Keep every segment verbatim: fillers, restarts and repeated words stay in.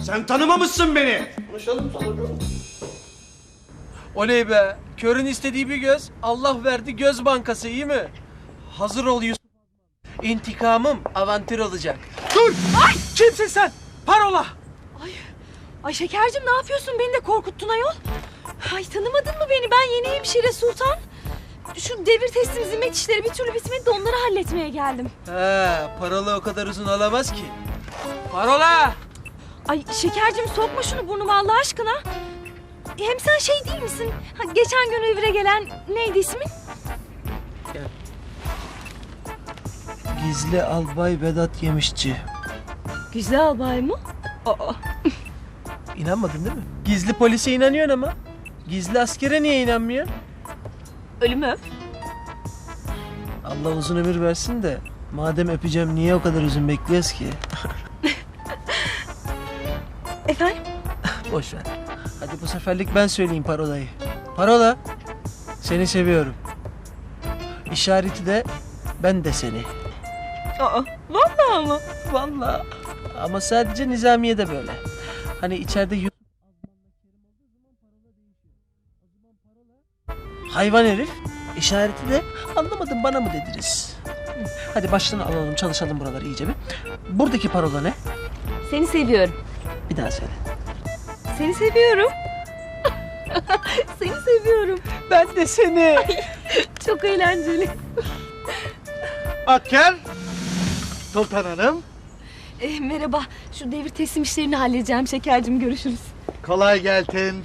Sen tanımamışsın beni. Konuşalım sana. Oley be. Körün istediği bir göz. Allah verdi göz bankası, iyi mi? Hazır ol Yusuf. İntikamım avantür olacak. Dur! Ay! Kimsin sen? Parola! Ay, ay Şekercim ne yapıyorsun? Beni de korkuttun ayol. Ay tanımadın mı beni? Ben yeni hemşire Sultan. Şu devir teslim zimmet işleri bir türlü bitmedi de onları halletmeye geldim. He, parola o kadar uzun olamaz ki. Parola! Ay Şekercim sokma şunu burnuma Allah aşkına. Hem sen şey değil misin? Ha, geçen gün revire gelen neydi ismin? Gizli Albay Vedat Yemişçi. Güzel albay mı? Aa. İnanmadın değil mi? Gizli polise inanıyorsun ama. Gizli askere niye inanmıyorsun? Ölümü öp. Allah uzun ömür versin de. Madem öpeceğim niye o kadar uzun bekliyoruz ki? Efendim? Boş ver. Hadi bu seferlik ben söyleyeyim parolayı. Parola. Seni seviyorum. İşareti de ben de seni. Aa, vallahi mı? Vallahi. Ama sadece Nizamiye'de böyle. Hani içeride Yusuf hayvan herif. İşareti de anlamadım bana mı dediniz? Hadi baştan alalım, çalışalım buraları iyice bir. Buradaki parola ne? Seni seviyorum. Bir daha söyle. Seni seviyorum. Seni seviyorum. Ben de seni. Çok eğlenceli. Asker. Sultan Hanım. E, merhaba. Şu devir teslim işlerini halledeceğim Şekercim. Görüşürüz. Kolay gelsin.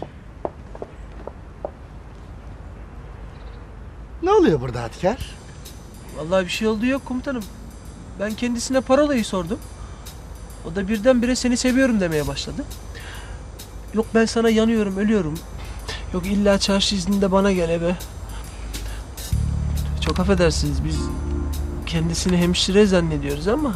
Ne oluyor burada Asker? Vallahi bir şey olduğu yok komutanım. Ben kendisine parolayı sordum. O da birdenbire seni seviyorum demeye başladı. Yok ben sana yanıyorum, ölüyorum. Yok illa çarşı izninde bana gel eve. Çok affedersiniz biz kendisini hemşire zannediyoruz ama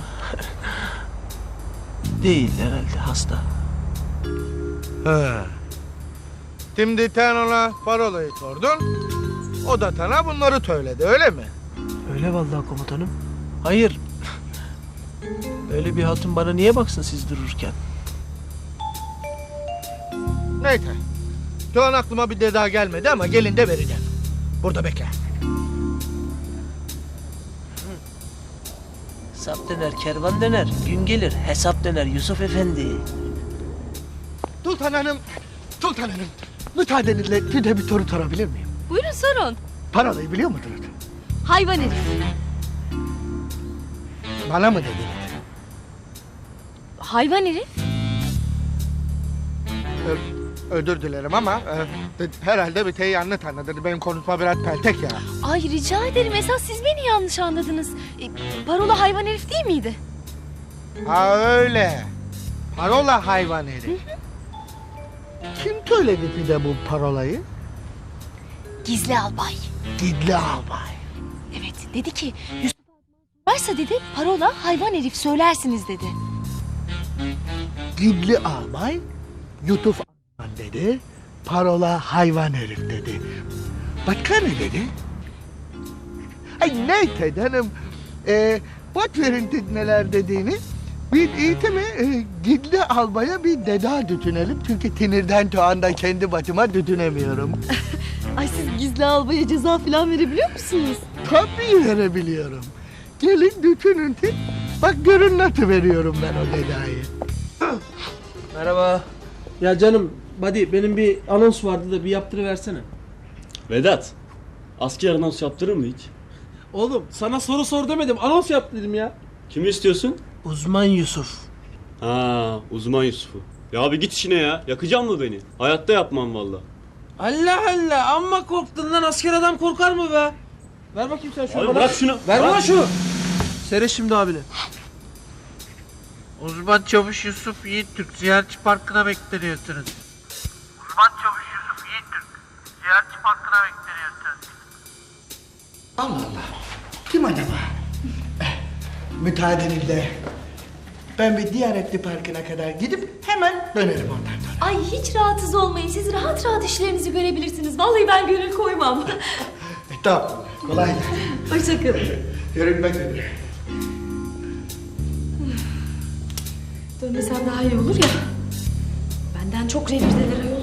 değil herhalde, hasta. He. Şimdi sen ona parolayı sordun. O da sana bunları söyledi öyle mi? Öyle vallahi komutanım. Hayır. Öyle bir hatun bana niye baksın siz dururken? Neyse. Şu an aklıma bir de daha gelmedi ama gelin de vereceğim. Burada bekle. Sap döner, kervan döner, gün gelir hesap döner Yusuf Efendi. Sultan Hanım, Sultan Hanım. Müsaadenizle size bir soru sorabilir miyim? Buyurun sorun. Parolayı biliyor musunuz? Hayvan herif. Bana mı dediniz? Hayvan herif? Ö- özür dilerim ama e, herhalde bir şey yanlış anladınız. Benim konuşma biraz peltek ya. Ay rica ederim. Esas siz beni yanlış anladınız. E, parola hayvan herif değil miydi? Ha öyle. Parola hayvan herif. Kim söyledi size bu parolayı? Gizli albay. Gizli albay. Evet dedi ki Yusuf varsa dedi parola hayvan herif söylersiniz dedi. Gizli albay, Yusuf Arman dedi, parola hayvan herif dedi. Başka ne dedi? Ay neyse canım, ee, boş verin siz neler dediğiniz. Biz iyisi mi e, Gizli albaya bir deda düşünelim çünkü sinirden şu anda kendi başıma düşünemiyorum. Ay siz gizli albaya ceza falan verebiliyor musunuz? Tabii verebiliyorum. Gelin düşünün siz. Bak görün nasıl veriyorum ben o dedayı. Merhaba. Ya canım, buddy benim bir anons vardı da bir yaptırıversene. Vedat, asker anons yaptırır mı hiç? Oğlum sana soru sor demedim, anons yap dedim ya. Kimi istiyorsun? Uzman Yusuf. Ha, uzman Yusuf'u. Ya abi git işine ya. Yakacak mı beni? Hayatta yapmam valla. Allah Allah, amma korktun lan, asker adam korkar mı be? Ver bakayım sen şunu Abi bana. bırak şunu. Ver Bırak bana şunu. Seyret şimdi abine. Uzman Çavuş Yusuf Yiğittürk Ziyaretçi Parkı'na bekleniyorsunuz. Uzman Çavuş Yusuf Yiğittürk Ziyaretçi Parkı'na bekleniyorsunuz. Allah Allah. Kim acaba? Eh, müsaadenizle. Ben bir Diyanetli Parkı'na kadar gidip hemen dönerim ondan sonra. Ay hiç rahatsız olmayın. Siz rahat rahat işlerinizi görebilirsiniz. Vallahi ben gönül koymam. E, tamam. Kolay gelsin. Hoşçakalın. Görünmek üzere. Dönmesem daha iyi olur ya. Eskiden çok revirdeler ayol.